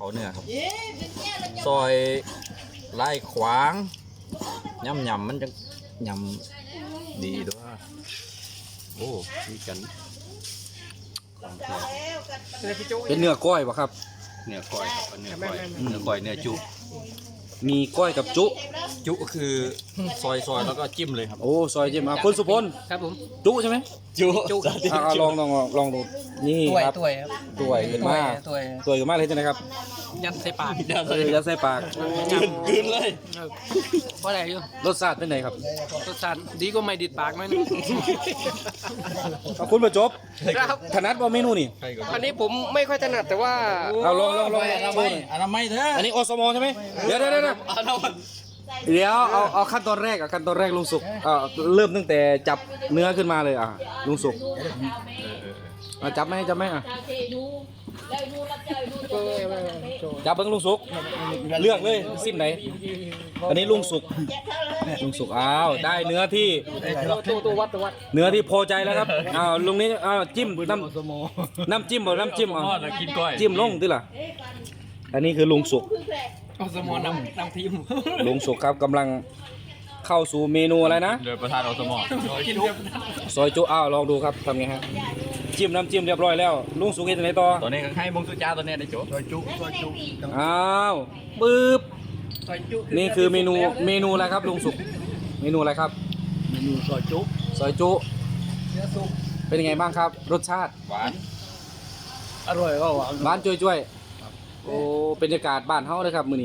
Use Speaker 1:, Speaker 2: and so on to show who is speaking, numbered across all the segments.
Speaker 1: เขาเนื้อครับซอยไล่ขวางย่ำมันจะย่ำดีด้วยโอ้ดีกัน
Speaker 2: เป็นเนื้อก้อยปะครับ
Speaker 1: เนื้อก้อยเนื้อก้อยเนื้อจุ
Speaker 2: มีก้อยกับจุ
Speaker 1: จุก็คือซอยแล้วก็จิ้มเลยครับ
Speaker 2: โอ้ซอยเจมคุณสุพล
Speaker 3: ครับผม
Speaker 2: จุใช่ไหม
Speaker 1: จุ
Speaker 2: ลองดูนี่ครับ
Speaker 3: ตัวยครับ
Speaker 2: ตัวยขึ้นมา
Speaker 3: ตัวย
Speaker 2: ตัวยขึ้นมาเลยใช่ไหมครับ
Speaker 3: ยัดใส่ปาก
Speaker 2: ยัดใส่ปาก
Speaker 1: กินเลย
Speaker 3: เพราะอะไรอยู่
Speaker 2: รสชาติเป็นไงครับ
Speaker 3: รสชาติดีก็ไม่ดิดปากมัน
Speaker 2: ขอบคุณประจบ
Speaker 3: ครับ
Speaker 2: ถนัดว่าเมนูนี่
Speaker 3: อันนี้ผมไม่ค่อยถนัดแต่ว่า
Speaker 2: เอาลอง
Speaker 1: อนามัยเถอะ
Speaker 2: อันนี้อสมใช่ไหมเดี๋ยวเอาขั้นตอนแรกขั้นตอนแรกลุงสุกเริ่มตั้งแต่จับเนื้อขึ้นมาเลยลุงสุกจับไหมจับเบิ้งลุงสุกเลือกเลยสิ้นไหนอันนี้ลุงสุกอ้าวได้เนื้อที่
Speaker 3: ตัววัด
Speaker 2: เนื้อที่พอใจแล้วครับลุงนี้จิ้มน้ำจิ้ม
Speaker 1: กินก้อย
Speaker 2: จิ้มลงดิล่ะอันนี้คือลุงสุก
Speaker 3: เอาสมอนำทีม
Speaker 2: ลุงสุกครับกำลังเข้าสู่เมนูอะไรนะ
Speaker 1: โดยประธานอสม
Speaker 3: กิน
Speaker 2: ซอยจุลองดูครับทำไงฮะจิ้มน้ำจิ้มเรียบร้อยแล้วลุงสุกเฮ็ดจังไดต่อ
Speaker 1: ตัวนี้ก็ให้มงสุจ้าตัวนี้ได้โจ้ซอยจุ
Speaker 2: อ้าวปึ๊บนี่คือเมนูอะไรครับลุงสุกเมนูอะไรครับ
Speaker 1: เมนูซอยจุ
Speaker 2: ซอยจุเป็นยังไงบ้างครับ รสชาติ
Speaker 1: หวาน
Speaker 3: อร่อยก็หวาน
Speaker 2: บ้านจ้วยๆโอ้บรรยากาศบ้านเฮาเลยครับมื้อนี้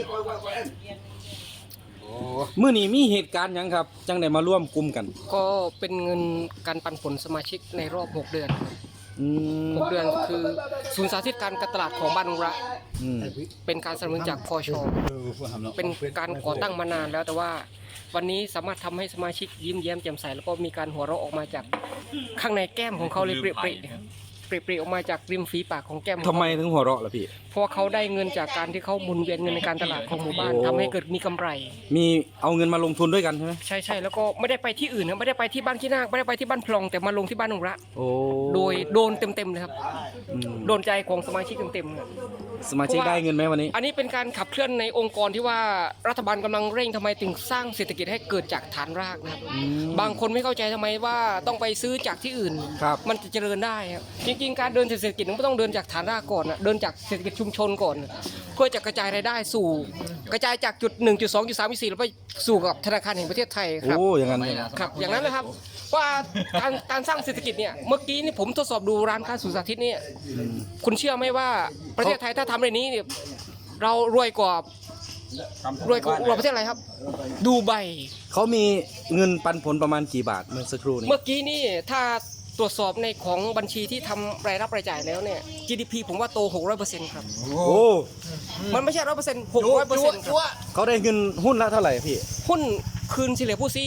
Speaker 2: มื้อนี้มีเหตุการณ์หยังครับจังได้มาร่วมกลุ่มกัน
Speaker 3: ก็เป็นเงินการปันผลสมาชิกในรอบ6 เดือน
Speaker 2: อืม
Speaker 3: 6 เดือนคือศูนย์สาธิตการตลาดของบ้านนุระ
Speaker 2: อืม
Speaker 3: เป็นการสนับสนุนจากพชเป็นการก่อตั้งมานานแล้วแต่ว่าวันนี้สามารถทำให้สมาชิกยิ้มแย้มแจ่มใสแล้วก็มีการหัวเราะออกมาจากข้างในแก้มของเขาเลยเปรี้ยๆออกมาจากริมฝีปากของแก้มของ
Speaker 2: ทำ
Speaker 3: เขา
Speaker 2: ไมถึงหัวเราะล่ะพี่
Speaker 3: เพราะว่าเขาได้เงินจากการที่เขาหมุนเวียนเงินในการตลาดของหมู่บ้าน
Speaker 2: โอ้
Speaker 3: ทำให้เกิดมีกำไร
Speaker 2: มีเอาเงินมาลงทุนด้วยกันใช่ไหม
Speaker 3: ใช่แล้วก็ไม่ได้ไปที่อื่นนะไม่ได้ไปที่บ้านขี้นาคไม่ได้ไปที่บ้านพลองแต่มาลงที่บ้านนุระ
Speaker 2: โอ้
Speaker 3: โดยโดนเต็มเลยครับ
Speaker 2: อืม
Speaker 3: โดนใจของสมาชิกเต็มๆครับ
Speaker 2: สมาชิกได้เงินไหมวันนี้
Speaker 3: อันนี้เป็นการขับเคลื่อนในองค์กรที่ว่ารัฐบาลกำลังเร่งทำไมถึงสร้างเศรษฐกิจให้เกิดจากฐานรากนะครับ บางคนไม่เข้าใจทำไมว่าต้องไปซื้อจากที่อื่น
Speaker 2: ครับ
Speaker 3: มันจะเจริญได้ครับจริงๆการเดินเศรษฐกิจมันก็ต้องเดินจากฐานรากก่อนนะเดินจากเศรษฐกิจชุมชนก่อน เพื่อจะกระจายรายได้สู่กระจายจากจุด1.2.3.4แล้วไปสู่กับธนาคารแห่งประเทศไทยครับ
Speaker 2: โอ้อย่างนั้นเลย
Speaker 3: ครับอย่างนั้นนะครับว่าการสร้างเศรษฐกิจเนี่ยเมื่อกี้นี่ผมทดสอบดูร้านค้าสุสาธิตเนี่ยคุณเชื่อไหมว่าประเทศไทยถ้าทำในนี้เนี่ยเรารวยกว่าประเทศอะไรครับ ดูไบ
Speaker 2: เขามีเงินปันผลประมาณกี่บาทเมื่อสักครู่นี้
Speaker 3: เมื่อกี้นี่ถ้าตรวจสอบในของบัญชีที่ทำรายรับรายจ่ายแล้วเนี่ย GDP ผมว่าโต 600%ครับ
Speaker 2: โอ้
Speaker 3: มันไม่ใช่ 100% 600%ครับ
Speaker 2: เขาได้เงินหุ้นละเท่าไหร่พี่
Speaker 3: หุ้นคืนเฉลี่ยผู้ซื้อ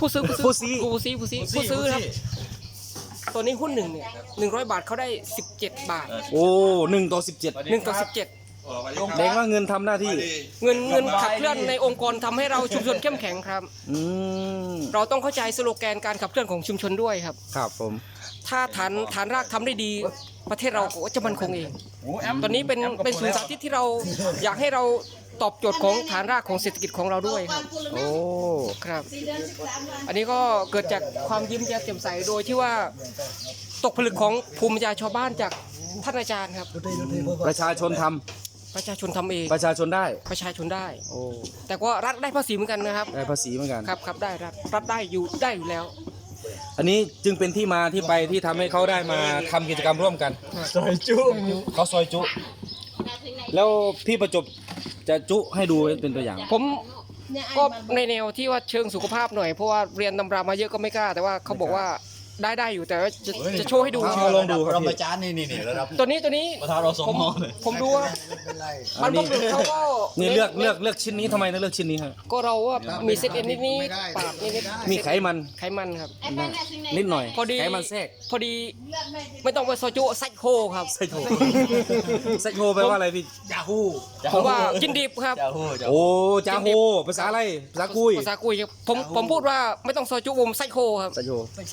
Speaker 3: ครับตัวนี้หุ้นหนึ่งเนี่ย100 บาทเขาได้17 บาท
Speaker 2: โอ้1:17
Speaker 3: 1:17
Speaker 2: แดงว่าเงินทำหน้าที่
Speaker 3: เงินขับเคลื่อนในองค์กรทำให้เราชุมชนเข้มแข็งครับ
Speaker 2: อืม
Speaker 3: เราต้องเข้าใจสโลแกนการขับเคลื่อนของชุมชนด้วยครับ
Speaker 2: ครับผม
Speaker 3: ถ้าฐานรากทำได้ดี ประเทศเราก็จะมั่นคงเอง ตอนนี้เป็นศูนย์สาธิตที่เราอยากให้เราตอบโจทย์ของฐานรากของเศรษฐกิจของเราด้วยครับ
Speaker 2: โอ้
Speaker 3: ครับ อันนี้ก็เกิดจากความยิ้มแย้มแจ่มใสโดยที่ว่าตกผลึกของภูมิปัญญาชาวบ้านจากท่านอาจารย์ครับ
Speaker 2: ประชาชนทำ
Speaker 3: ประชาชนทำเอง
Speaker 2: ประชาชนได้
Speaker 3: ประชาชนได้
Speaker 2: โอ้
Speaker 3: แต่ว่ารัฐได้ภาษีเหมือนกันนะครับ
Speaker 2: ได้ภาษีเหมือนกัน
Speaker 3: ครับได้รัฐได้อยู่แล้ว
Speaker 2: อันนี้จึงเป็นที่มาที่ไปที่ทำให้เขาได้มาทำกิจกรรมร่วมกันซอยจุเขาซอยจุ แล้วพี่ประจบจะจุให้ดูเป็นตัวอย่าง
Speaker 3: ผมก็ในแนวที่ว่าเชิงสุขภาพหน่อยเพราะว่าเรียนตำรามาเยอะก็ไม่กล้าแต่ว่าเขาบอกว่าได้อยู่แต่ว่าจะโชว์ให้ดู
Speaker 2: เอาลองดูครับ
Speaker 1: เรา
Speaker 2: พี่
Speaker 1: มาจานนี่ระดับ
Speaker 3: ตัวนี้
Speaker 1: ประธานอสมเลย
Speaker 3: ผมดูว่ามันบางคนเขาก็
Speaker 2: นี่เลือกชิ้นนี้ทำไมถึงเลือกชิ้นนี้ครับ
Speaker 3: ก็เราว่ามีเส้นเอ็นนิดปาดนิด
Speaker 2: มีไขมัน
Speaker 3: ไขมันครับ
Speaker 2: นิดหน่อย
Speaker 3: พอดี
Speaker 2: ไขมันแทรก
Speaker 3: พอดีไม่ต้องไปโซจูไซโคครับ
Speaker 2: ไซโคไซโคแปลว่าอะไรพี่
Speaker 1: ยาฮู
Speaker 3: ผมว่ากินดิบครับ
Speaker 1: ยาฮู
Speaker 2: โอ้จาโฮภาษาอะไรภาษากุย
Speaker 3: ภาษากุยครับผมพูดว่าไม่ต้องโซจูผมไซโคครับ
Speaker 2: ไซโค
Speaker 3: ไซโค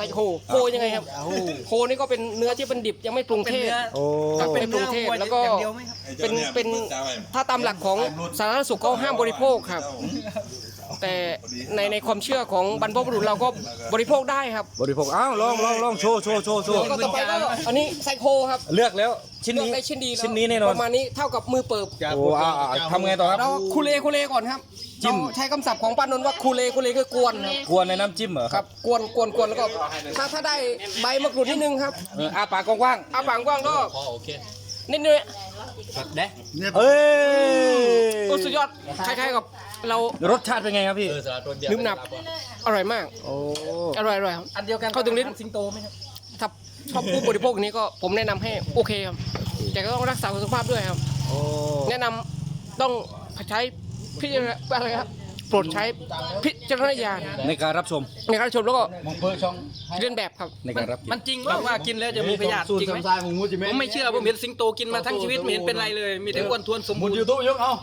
Speaker 3: โคยังไงครับโคนี่ก็เป็นเนื้อที่เป็นดิบยังไม่ปรุงเทศ
Speaker 2: โอ้
Speaker 3: ครับเป็นปรุงเทศแล้วก็เป็นถ้าตามหลักของสาธารณสุขเขาห้ามบริโภคครับ แต่ในความเชื่อของบรรพบุรุษเราก็บริโภคได้ครับ
Speaker 2: บริโภคอ้าวลองโชว์
Speaker 3: แล้วก็ต่อไปก็อันนี้ไซโคครับ
Speaker 2: เลือกแล้วชิ้น
Speaker 3: เลือก
Speaker 2: นี้
Speaker 3: ได้ชิ้นดีแล้ว
Speaker 2: ชิ้นนี้แน่นอน
Speaker 3: ประมาณนี้เท่ากับมือเปิบ
Speaker 2: โอ้ทำไงต่อครับ
Speaker 3: เราคูเลก่อนครับ
Speaker 2: จิ้ม
Speaker 3: เราใช้คำศัพท์ของป้านนท์ว่าคูเลคือกวนครับ
Speaker 2: กวนในน้ำจิ้มเหรอ
Speaker 3: ครับกวนแล้วก็ถ้าได้ใบมะกรูดนิดนึงครับ
Speaker 2: อาปากกว้าง
Speaker 3: อาปากกว้างก็
Speaker 1: โอเค
Speaker 3: นิดนึง
Speaker 2: ๆเอ้ย
Speaker 3: โอ้สุดยอดคล้ายๆกับเรา
Speaker 2: รสชาติเป็นไงครับพี่
Speaker 3: ลืมหนับอร่อยมาก
Speaker 2: โอ้
Speaker 3: อร่อยครับอันเดียวกันเข้าถึงลิ้นสิงโตไหมครับถ้าชอบผู้บริโภคอย่างนี้ก็ผมแนะนำให้โอเคครับแต่ก็ต้องรักษาสุขภาพด้วยครับ
Speaker 2: โอ้
Speaker 3: แนะนำต้องใช้พิจารณาอะไรครับโปรดใช้พิจารณญาณ
Speaker 2: ในการรับชม
Speaker 3: ในการชมแล้วก็เลียนแบบครับ
Speaker 2: ในการรับ
Speaker 4: มันจริงป่ะว่ากินแล้วจะมีพยาธิจริงไหมผมไม่เชื่อผมเห็นสิงโตกินมาทั้งชีวิตไม่เห็นเป็นไรเลย มีแต่อ้วนท้วนสมบูรณ์
Speaker 1: ยูทูบยกเอา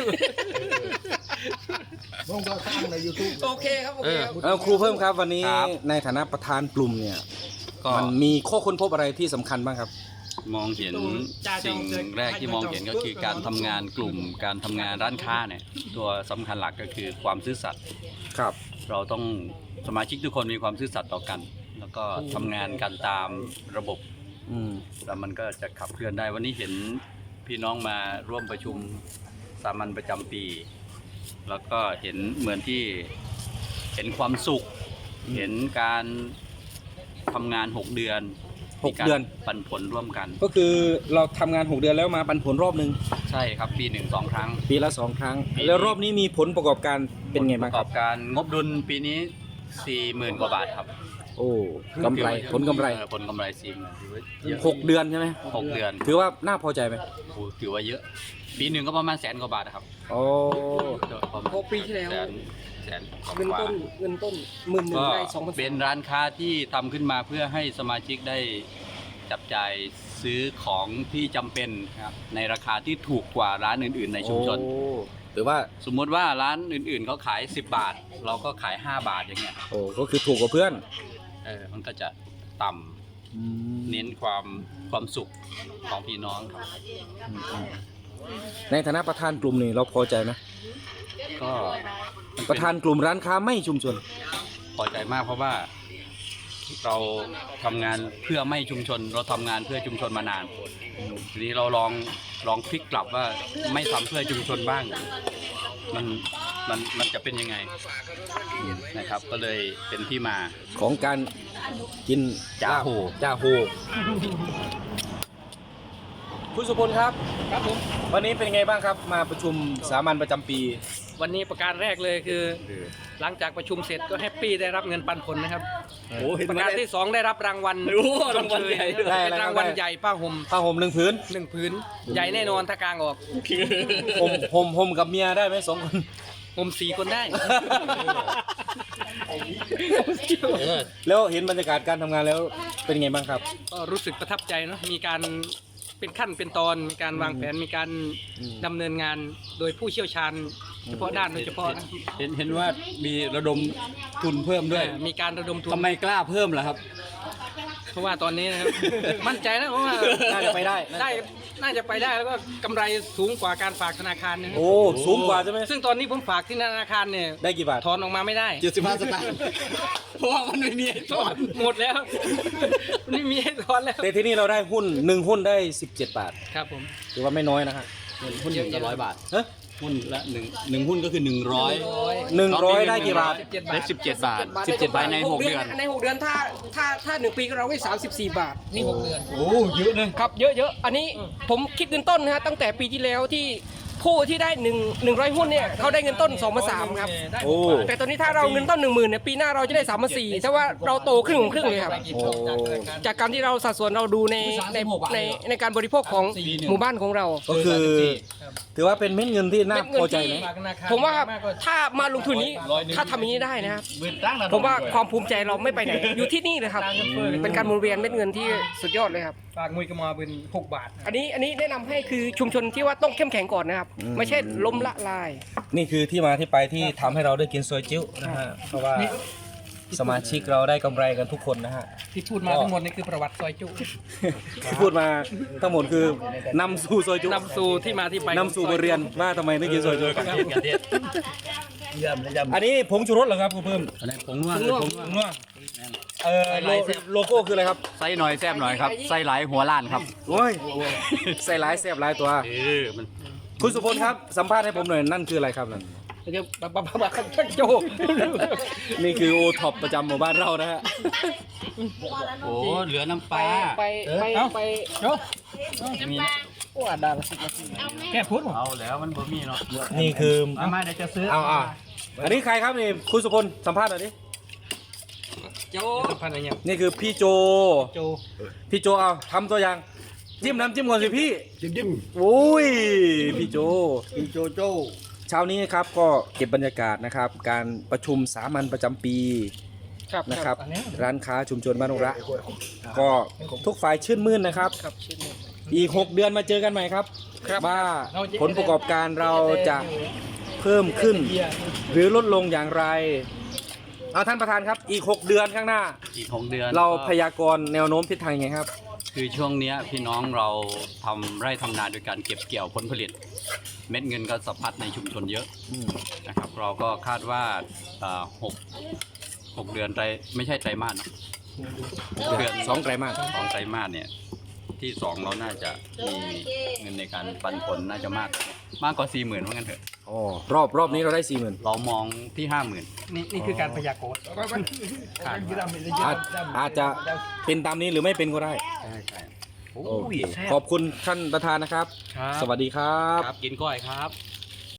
Speaker 3: โอเคครับโอเคครับ
Speaker 2: แล้วครูเพิ่มครับวันนี้ในฐานะประธานกลุ่มเนี่ย
Speaker 5: ก็
Speaker 2: มันมีข้อค้นพบอะไรที่สำคัญบ้างครับ
Speaker 5: มองเห็นสิ่งแรกที่มองเห็นก็คือการทำงานกลุ่ม การทำงานร้านค้าเนี่ยตัวสำคัญหลักก็คือความซื่อสัตย์
Speaker 2: ครับ
Speaker 5: เราต้องสมาชิกทุกคนมีความซื่อสัตย์ต่อกัน แล้วก็ทำงานกันตามระบบ
Speaker 2: อืม
Speaker 5: แล้วมันก็จะขับเคลื่อนได้วันนี้เห็นพี่น้องมาร่วมประชุมสามัญประจำปี แล้วก็เห็นเหมือนที่เห็นความสุข เห็นการทำงาน6 เดือน
Speaker 2: 6 เดือน
Speaker 5: มีการปันผลร่วมกัน
Speaker 2: ก็คือเราทำงาน 6 เดือนแล้วมาปันผลรอบหนึ่ง
Speaker 5: ใช่ครับปี1-2 ครั้ง
Speaker 2: ปีละ 2 ครั้ง แล้วรอบนี้มีผลประกอบการเป็นไงบ้าง
Speaker 5: ประ
Speaker 2: ค
Speaker 5: ก
Speaker 2: รั
Speaker 5: อบ บการงบดุลปีนี้ 40,000 กว่าบาทครับ
Speaker 2: โอ้กำไรผลกำไร
Speaker 5: ผลกำไร40,000ถือว่าเยอะ
Speaker 2: 6 เดือนใช่ไหม
Speaker 5: 6 เดือน
Speaker 2: ถือว่าน่าพอใจไหม
Speaker 5: โอ้ถือว่าเยอะ ปีหนึ่งก็ประมาณ100,000 กว่าบาทนะครับ
Speaker 2: โอ้
Speaker 5: ประมาณ
Speaker 3: เพราะปีที่แล้ว
Speaker 5: แสน
Speaker 3: เงิน
Speaker 5: กว่า
Speaker 3: ต้นหมื่นหนึ่ง
Speaker 5: ก็
Speaker 3: ได้2,000
Speaker 5: เป็นร้านค้าที่ทำขึ้นมาเพื่อให้สมาชิกได้จับจ่ายซื้อของที่จำเป็นครับในราคาที่ถูกกว่าร้านอื่นๆในชุมชน
Speaker 2: โอ้ถือว่า
Speaker 5: สมมุติว่าร้านอื่นๆเขาขาย10 บาท เราก็ขาย5 บาทอย่างเงี้ย
Speaker 2: โอ้ก็คือถูกกว่าเพื่อน
Speaker 5: มันก็จะต่ำเน้นความสุขของพี่น้องครับ
Speaker 2: ในฐานะประธานกลุ่มนี่เราพอใจไหม
Speaker 5: ก็
Speaker 2: ประธานกลุ่มร้านค้าไม่ชุมชน
Speaker 5: พอใจมากเพราะว่าเราทำงานเพื่อไม่ชุมชน เราทำงานเพื่อชุมชนมานานทีนี้เราลองพลิกกลับว่าไม่ทำเพื่อชุมชนบ้างมันจะเป็นยังไงนะครับ ก็เลยเป็นที่มา
Speaker 2: ของการกิน
Speaker 5: จ่าโห
Speaker 2: จ่าโหคุณสุพลครับวันนี้เป็นไงบ้างครับ มาประชุมสามัญประจำปี
Speaker 4: วันนี้ประการแรกเลยคือ หลังจากประชุมเสร็จก็แฮปปี้ได้รับเงินปันผลนะครับประการที่ 2 ได้รับรางวัลรางวัลใหญ่
Speaker 2: ได้อะไร
Speaker 4: เป็นรางวัลใหญ่ป้าห่ม
Speaker 2: ผ้าห่ม1 ผืน
Speaker 4: 1 ผืนใหญ่แน่นอนถ้ากลางออก
Speaker 2: ห่มกับเมียได้ไหม2 คน
Speaker 4: ห่ม4 คนได้
Speaker 2: แล้วเห็นบรรยากาศการทำงานแล้วเป็นไงบ้างครับ
Speaker 4: ก็รู้สึกประทับใจเนาะมีการเป็นขั้นเป็นตอนมีการวางแผนมีการดำเนินงานโดยผู้เชี่ยวชาญเฉพาะด้านโดยเฉพาะนะ
Speaker 5: เห็นว่ามีระดมทุนเพิ่มด้วย
Speaker 4: มีการระดมทุน
Speaker 5: ทำไมกล้าเพิ่มล่ะครับ
Speaker 4: เพราะว่าตอนนี้นะครับ มั่นใจนะเพราะว่า
Speaker 2: น่าจะไปได้
Speaker 4: น่าจะไปได้แล้วก็กำไรสูงกว่าการฝากธนาคารนะครับ
Speaker 2: โอ้สูงกว่าใช่ไหม
Speaker 4: ซึ่งตอนนี้ผมฝากที่ธนาคารเนี่ย
Speaker 2: ได้กี่บาท
Speaker 4: ถอนออกมาไม่ได้
Speaker 5: 75 สตางค์เพราะว่ามันไม่มีให้ถอน
Speaker 4: หมดแล้วไม่มีให้ถอนแล้ว
Speaker 2: แต่ที่นี่เราได้หุ้น1 หุ้นได้17 บาท
Speaker 4: ครับผม
Speaker 2: ถือว่าไม่น้อยนะฮะ
Speaker 5: หุ้นละ100 บาท
Speaker 2: ฮะ
Speaker 5: หุ้นละหนึ่งหุ้นก็คือ100
Speaker 2: 100ได้กี่บาท
Speaker 5: ได้17 บาท 17 บาทใน 6 เดือน
Speaker 3: ใน6 เดือนถ้า1 ปีก็เราได้34 บาทนี่6 เดือน
Speaker 5: โอ้เยอะนะครับ
Speaker 3: เยอะอันนี้ผมคิดเงินต้นนะฮะตั้งแต่ปีที่แล้วที่ผู้ที่ได้100 หุ้นเนี่ยเขาได้เงินต้น2,300ครับ
Speaker 2: โอ้
Speaker 3: แต่ตอนนี้ถ้าเราเงินต้น 10,000เนี่ยปีหน้าเราจะได้3,400ถ้าว่าเราโตครึ่งเลยครับ
Speaker 2: โอ้
Speaker 3: จากการที่เราสัดส่วนเราดูในการบริโภคของหมู่บ้านของเรา
Speaker 2: ก็คือถือว่าเป็นเม็ดเงินที่น่าพอใจไหม
Speaker 3: ผมว่าถ้ามาลงทุนนี้ถ้าทำอย่างนี้ได้นะครับผมว่าความภูมิใจเราไม่ไปไหน อยู่ที่นี่เลยครับ เป็นการหมุนเวียนเม็ดเงินที่สุดยอดเลยครับ
Speaker 4: ฝากมวยกระมาเป็น6 บาท
Speaker 3: อันนี้แนะนำให้คือชุมชนที่ว่าต้องเข้มแข็งก่อนนะครับ ไม่ใช่ล้มละลาย
Speaker 2: นี่คือที่มาที่ไปที่ทำให้เราได้กินซอยจิ้วนะฮะเพราะว่าสมาชิกเราได้กำไรกันทุกคนนะฮะ
Speaker 4: ที่พูดมาทั้งหมดนี่คือประวัติซอยจุ
Speaker 2: ที่พูดมาทั้งหมดคือนำสู่ซอยจุ
Speaker 4: นำสู่ที่มาที่ไป
Speaker 2: นำสู่บทเรียนว่าทำไมนึกกินซอยจุ
Speaker 5: เยี่ยมเลยเยี่ยม
Speaker 2: อันนี้ผงชูรสเหรอครับคุณเพิ่ม
Speaker 5: อะไรผงนัวผงนัว
Speaker 2: ผงนัวโลโก้คืออะไรครับ
Speaker 5: ไส้หน่อยแซ่บหน่อยครับไส้หลายหัวล้านครับ
Speaker 2: โอ้ยใส่หลายแซ่บหลายตัว
Speaker 5: มัน
Speaker 2: คุณสุพลครับสัมภาษณ์ให้ผมหน่อยนั่นคืออะไรครับนั่น
Speaker 4: เดี๋ยวบ้าโจ
Speaker 2: นี่คือโอท็อปประจำหมู่บ้านเรานะฮะ
Speaker 5: โอ้เหลือน้ำป
Speaker 3: ไป
Speaker 5: ลา
Speaker 3: ไป
Speaker 4: โจ
Speaker 5: มี
Speaker 3: ว่าดารา
Speaker 4: แค่พูดหรอ
Speaker 5: เอาแล้วมันบ่มีเนาะ
Speaker 2: นี่คือ
Speaker 5: มาเดี๋ยวจะซื้อ
Speaker 2: เอาอันนี้ใครครับนี่คุณสุพลสัมภาษณ์หน่อยดิ
Speaker 4: โจพันอะไรเนี่ย
Speaker 2: นี่คือพี่โจ
Speaker 4: โจ
Speaker 2: พี่โจเอาทำตัวอย่างจิ้มน้ำจิ้มก่อนสิพี่จิ้มโอ้ยพี่โจโจเช้านี้ครับก็เก็บบรรยากาศนะครับ การประชุมสามัญประจำปี
Speaker 3: ครับ
Speaker 2: นะครับ ร้านค้าชุมชนบ้านนงระก็ทุกฝ่ายชื่นมื่นนะครับ
Speaker 3: ครับชิ้นหนึ่ง
Speaker 2: อีก 6 เดือนมาเจอกันใหม่ครับ ว่าผลประกอบการเราจะเพิ่มขึ้น หรือลดลงอย่างไรเอาท่านประธานครับอีก 6 เดือนข้างหน้า
Speaker 5: อีก6 เดือน
Speaker 2: เรา
Speaker 5: ก็
Speaker 2: พยากรณ์แนวโน้มทิศทางยังไงครับ
Speaker 5: คือช่วงเนี้ยพี่น้องเราทำไร่ทำนาโดยการเก็บเกี่ยวผลผลิต เม็ดเงินก็สะพัดในชุมชนเยอะนะครับ เราก็คาดว่า6 เดือนไม่ใช่ไตรมาสเนอะ6 เดือน
Speaker 2: สองไตรมาส
Speaker 5: 2 ไตรมาสเนี่ยที่ 2 เราน่าจะมีเงินในการปันผลน่าจะมากกว่า 40,000ว่างั้นเถอะ
Speaker 2: อ๋อรอบนี้เราได้ 40,000
Speaker 5: เรามองที่ 50,000
Speaker 4: นี่คือการพยากรณ์
Speaker 2: อาจจะเป็นตามนี้หรือไม่เป็นก็ได้
Speaker 5: ใช่ใช่
Speaker 2: โอเคขอบคุณท่านประธานนะครับ สวัสดีครับ
Speaker 5: ครับกินก้อยครับ